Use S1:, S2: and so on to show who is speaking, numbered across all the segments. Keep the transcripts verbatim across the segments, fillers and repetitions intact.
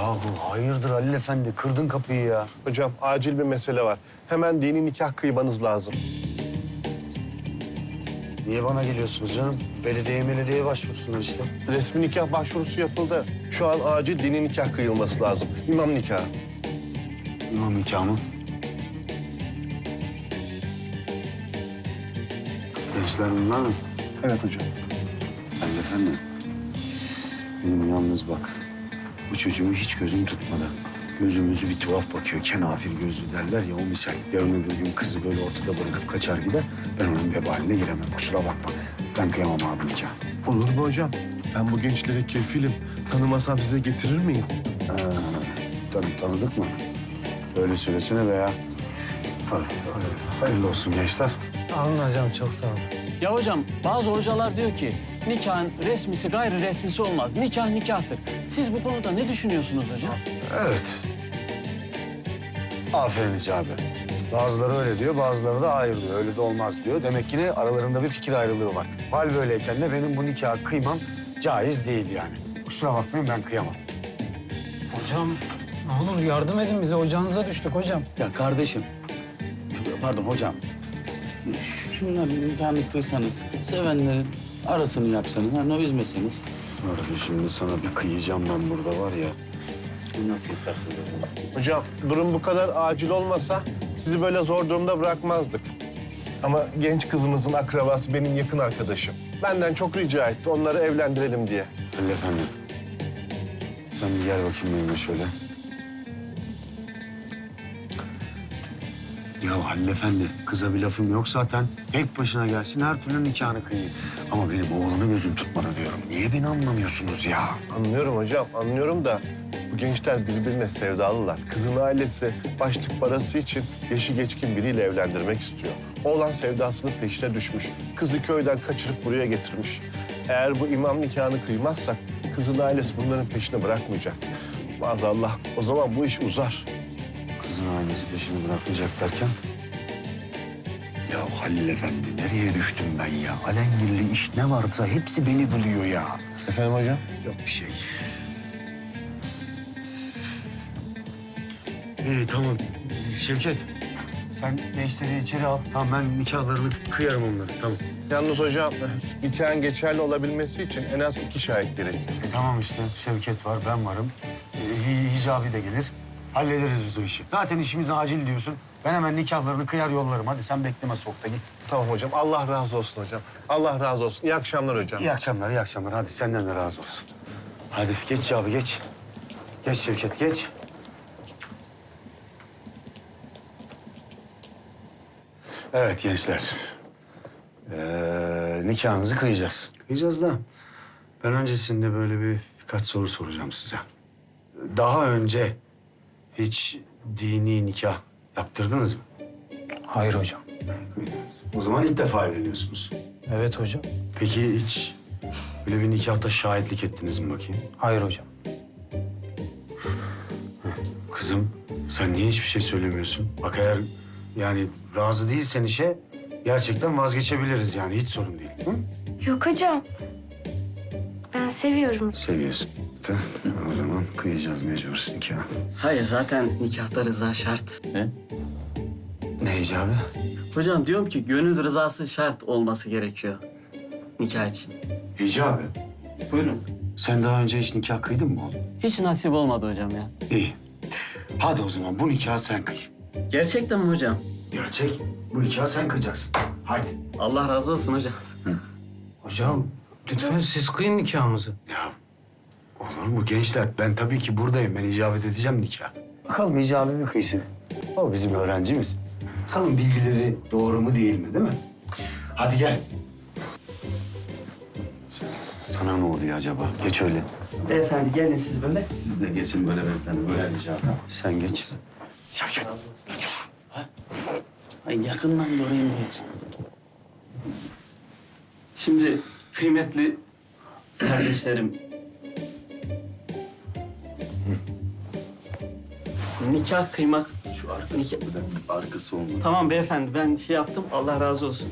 S1: Yahu hayırdır Halil Efendi? Kırdın kapıyı ya.
S2: Hocam acil bir mesele var. Hemen dini nikah kıymanız lazım.
S1: Niye bana geliyorsunuz canım? Belediye belediyeye başvursunlar işte.
S2: Resmi nikah başvurusu yapıldı. Şu an acil dini nikah kıyılması lazım. İmam nikahı.
S1: İmam nikahı mı? Gençler bunlar mı?
S2: Evet hocam.
S1: Halil Efendi. Benim yalnız bak. Bu çocuğu hiç gözüm tutmadı. Gözümüzü bir tuhaf bakıyor. Kenafir gözlü derler ya o misal. Yarın öbür gün kızı böyle ortada bırakıp kaçar gider. Ben onun vebaline giremem. Kusura bakma. Ben kıyamam abi nikah.
S2: Olur mu hocam? Ben bu gençlere kefilim. Tanımasam size getirir miyim?
S1: Ha, tanı, tanıdık mı? Öyle söylesene be ya. Hadi, hadi. Hayırlı olsun gençler.
S3: Sağ olun hocam, çok sağ olun.
S4: Ya hocam bazı hocalar diyor ki nikahın resmisi gayri resmisi olmaz. Nikah nikahtır. Siz bu konuda ne düşünüyorsunuz hocam?
S1: Evet. Aferin Hicabi. Bazıları öyle diyor, bazıları da hayır diyor. Öyle de olmaz diyor. Demek ki ne aralarında bir fikir ayrılığı var. Hal böyleyken de benim bu nikahı kıymam caiz değil yani. Kusura bakmayın ben kıyamam.
S3: Hocam ne olur yardım edin bize, ocağınıza düştük hocam.
S4: Ya kardeşim, pardon hocam. Şunların nikahını kıysanız, sevenlerin arasını yapsanız, hani üzmeseniz.
S1: Arada şimdi sana bir kıyacağım ben burada var ya.
S4: Siz nasıl isterseniz hocam.
S2: Hocam durum bu kadar acil olmasa sizi böyle zor durumda bırakmazdık. Ama genç kızımızın akrabası benim yakın arkadaşım. Benden çok rica etti onları evlendirelim diye.
S1: Halil Efendi. Sen bir gel bakayım benimle şöyle. Ya Halil Efendi, kıza bir lafım yok zaten. Tek başına gelsin, her türlü nikahını kıyayım. Ama benim oğlanı gözüm tutmadı diyorum. Niye beni anlamıyorsunuz ya?
S2: Anlıyorum hocam, anlıyorum da bu gençler birbirine sevdalılar. Kızın ailesi başlık parası için yaşı geçkin biriyle evlendirmek istiyor. Oğlan sevdasının peşine düşmüş. Kızı köyden kaçırıp buraya getirmiş. Eğer bu imam nikahını kıymazsak kızın ailesi bunların peşini bırakmayacak. Maazallah o zaman bu iş uzar.
S1: Kızın ailesi peşini bırakmayacak derken... Ya Halil Efendi, nereye düştüm ben ya? Alengirli iş ne varsa hepsi beni buluyor ya.
S2: Efendim hocam?
S1: Yok bir şey. İyi tamam. Şevket, sen gençleri içeri al. Tamam ben nikahlarını kıyarım onları. Tamam.
S2: Yalnız hocam nikahın geçerli olabilmesi için en az iki şahit gerekiyor.
S1: E, tamam işte. Şevket var, ben varım. E, Hicabi de gelir. Hallederiz biz o işi. Zaten işimiz acil diyorsun. Ben hemen nikahlarını kıyar yollarım. Hadi sen bekleme soğukta git.
S2: Tamam hocam. Allah razı olsun hocam. Allah razı olsun. İyi akşamlar hocam.
S1: İyi akşamlar, iyi akşamlar. Hadi senden de razı olsun. Hadi geç abi geç. Geç Şevket, geç. Evet gençler. Ee, nikahınızı kıyacağız. Kıyacağız da ben öncesinde böyle bir birkaç soru soracağım size. Daha önce hiç dini nikah yaptırdınız mı?
S3: Hayır hocam.
S1: O zaman ilk defa evleniyorsunuz.
S3: Evet hocam.
S1: Peki hiç böyle bir nikahta şahitlik ettiniz mi bakayım?
S3: Hayır hocam.
S1: Kızım sen niye hiçbir şey söylemiyorsun? Bak eğer yani razı değilsen işe gerçekten vazgeçebiliriz yani hiç sorun değil. Hı?
S5: Yok hocam. Ben seviyorum.
S1: Seviyorsun. Da, o zaman kıyacağız mecbur nikahı.
S4: Hayır zaten nikahta rıza şart. He?
S1: Ne icabı?
S4: Hocam diyorum ki gönül rızası şart olması gerekiyor nikah için.
S1: İcabı.
S4: Buyurun.
S1: Sen daha önce hiç nikah kıydın mı oğlum?
S4: Hiç nasip olmadı hocam ya.
S1: İyi. Hadi o zaman bu nikahı sen kıy.
S4: Gerçekten mi hocam?
S1: Gerçek. Bu nikahı sen kıyacaksın. Hadi.
S4: Allah razı olsun hocam.
S3: Hocam lütfen siz kıyın nikahımızı.
S1: Ya olur mu gençler? Ben tabii ki buradayım. Ben icabet edeceğim nikah. Bakalım icabı mi kıysın? O bizim öğrencimiz. Bakalım bilgileri doğru mu değil mi değil mi? Hadi gel. Sana ne oluyor acaba? Geç öyle.
S4: Beyefendi gelin siz böyle.
S1: Siz de geçin böyle beyefendi. Böyle icabı. Sen geç. Şevket.
S4: Ay yakından göreyim diye. Şimdi kıymetli kardeşlerim. Nikah kıymak.
S1: Şu arkası, bir dakika, arkası olmadı.
S4: Tamam beyefendi ben şey yaptım Allah razı olsun.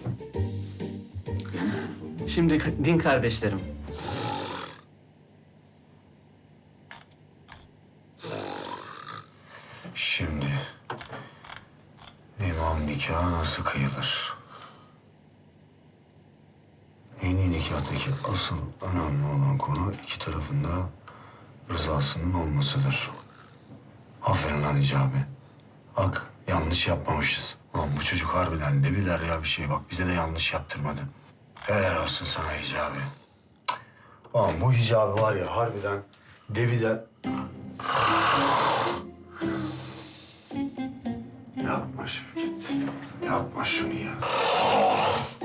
S4: Şimdi din kardeşlerim.
S1: nasıl kıyılır? Yeni nikahtaki asıl önemli olan konu iki tarafında rızasının olmasıdır. Aferin lan Hicabi. Bak yanlış yapmamışız. Ulan bu çocuk harbiden ne bilir ya bir şey bak bize de yanlış yaptırmadı. Helal olsun sana Hicabi. Ulan bu Hicabi var ya harbiden debiden... Yapma Şevket. Yapma şunu ya.